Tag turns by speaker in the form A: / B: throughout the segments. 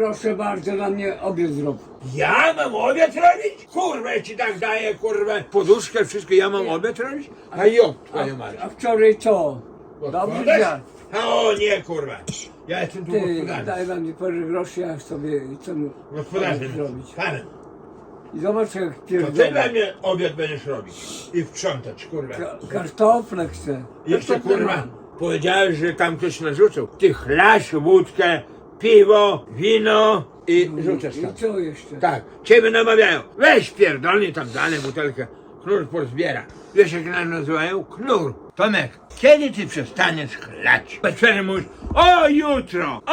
A: Proszę bardzo, na mnie obiad zrób.
B: Ja mam obiad robić? Kurwa, ja ci tak daję, kurwa, poduszkę, wszystko, ja mam obiad robić? A jo, twoja mać.
A: A wczoraj co? Dobrze dziad.
B: O nie, kurwa. Ja jestem tu
A: Ty,
B: gospodarzem.
A: daj wam parę groszy, ja sobie co mu
B: Gospodarzem,
A: zrobić.
B: panem.
A: I zobacz jak
B: To ty
A: pierdolę.
B: dla mnie obiad będziesz robić. I sprzątać, kurwa.
A: Kartofle chcę.
B: Jeszcze,
A: Kartofle
B: kurwa,
A: mam.
B: powiedziałeś, że tam ktoś narzucał. Ty chlasz wódkę, piwo, wino i rzucasz tam.
A: I co jeszcze?
B: Tak, ciebie namawiają. Weź pierdolnie tam dane butelkę. Knur porozbiera. Wiesz jak nas nazywają? Knur. Tomek, kiedy ty przestaniesz chlać? Wieczorem mówisz, o jutro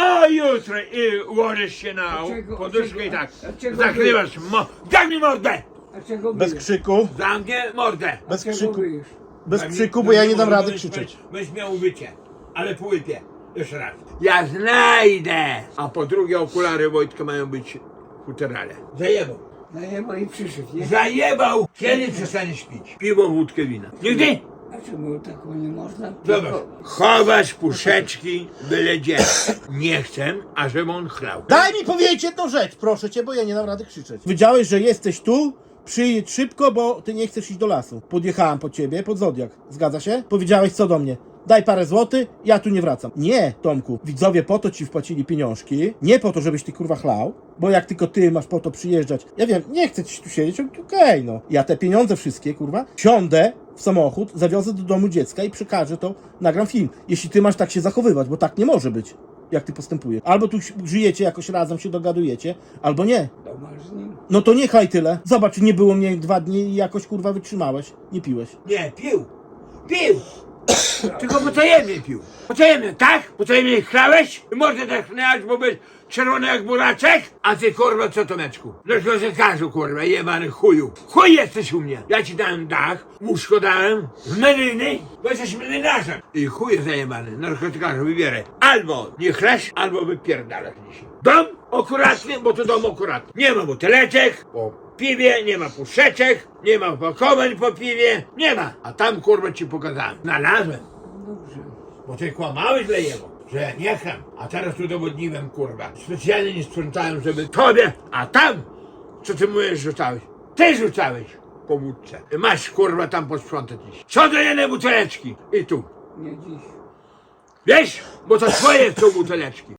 B: i ułożysz się na poduszkę i tak. Zakrywasz zamknij mordę!
A: A czego
C: Bez
A: bijesz?
C: krzyku,
B: Zamknij mordę!
C: bez
A: Czego
C: krzyku,
A: bijesz?
C: bez krzyku, bo ja nie dam rady
B: Byś-
C: krzyczeć.
B: Byś miał wycie, ale po łypie. Jeszcze raz. Ja znajdę! A po drugie okulary Wojtka mają być futerale. Zajebał.
A: Najeba i przyszedł, nie?
B: Zajebał! Kiedy przestaniesz pić? Piwo, wódkę, wina. Nigdy?
A: A czemu taką nie można?
B: Zobacz. Chowasz puszeczki byle gdzie. Nie chcę, ażeby on chlał.
C: Daj mi powiedzieć jedną rzecz, proszę cię, bo ja nie dam rady krzyczeć. Wiedziałeś, że jesteś tu? Przyjedź szybko, bo ty nie chcesz iść do lasu. Podjechałem po ciebie, pod Zodiak. Zgadza się? Powiedziałeś co do mnie? Daj parę złotych, ja tu nie wracam. Nie, Tomku, widzowie po to ci wpłacili pieniążki, nie po to, żebyś ty kurwa chlał, bo jak tylko ty masz po to przyjeżdżać, ja wiem, nie chcę ci tu siedzieć, okej, no. Ja te pieniądze wszystkie, kurwa, siądę w samochód, zawiozę do domu dziecka i przekażę to, nagram film. Jeśli ty masz tak się zachowywać, bo tak nie może być, jak ty postępujesz. Albo tu żyjecie jakoś razem, się dogadujecie, albo nie.
A: To masz z nim?
C: No to niechaj tyle. Zobacz, nie było mnie 2 dni i jakoś kurwa wytrzymałeś. Nie piłeś.
B: Nie, pił. Pił! Tylko potajemnie pił. Potajemnie, tak? Potajemnie chlałeś? I można tak chlać, bo być czerwony jak buraczek? A ty kurwa co Tomeczku? Do książekarzu kurwa, jebany chuju. Chuj jesteś u mnie. Ja ci dałem dach, łóżko dałem, meryny, bo jesteś merynarzem. I chuj zajebany, narkotykarzu wybieraj. Albo nie chlasz, albo wypierdalasz dzisiaj. Dom akuratny, bo to dom akuratny. Nie ma buteleczek po piwie, nie ma puszeczek, nie ma opakowań po piwie, nie ma. A tam kurwa ci pokazałem. Znalazłem.
A: Dobrze.
B: Bo ty kłamałeś Lejewo, że ja nie cham, a teraz udowodniłem kurwa. Specjalnie nie sprzątałem, żeby tobie, a tam, co ty mówisz, rzucałeś? Ty rzucałeś po wódce. Masz kurwa tam posprzątać dziś. Co do jednej buteleczki i tu.
A: Nie dziś.
B: Wiesz, bo to twoje są buteleczki.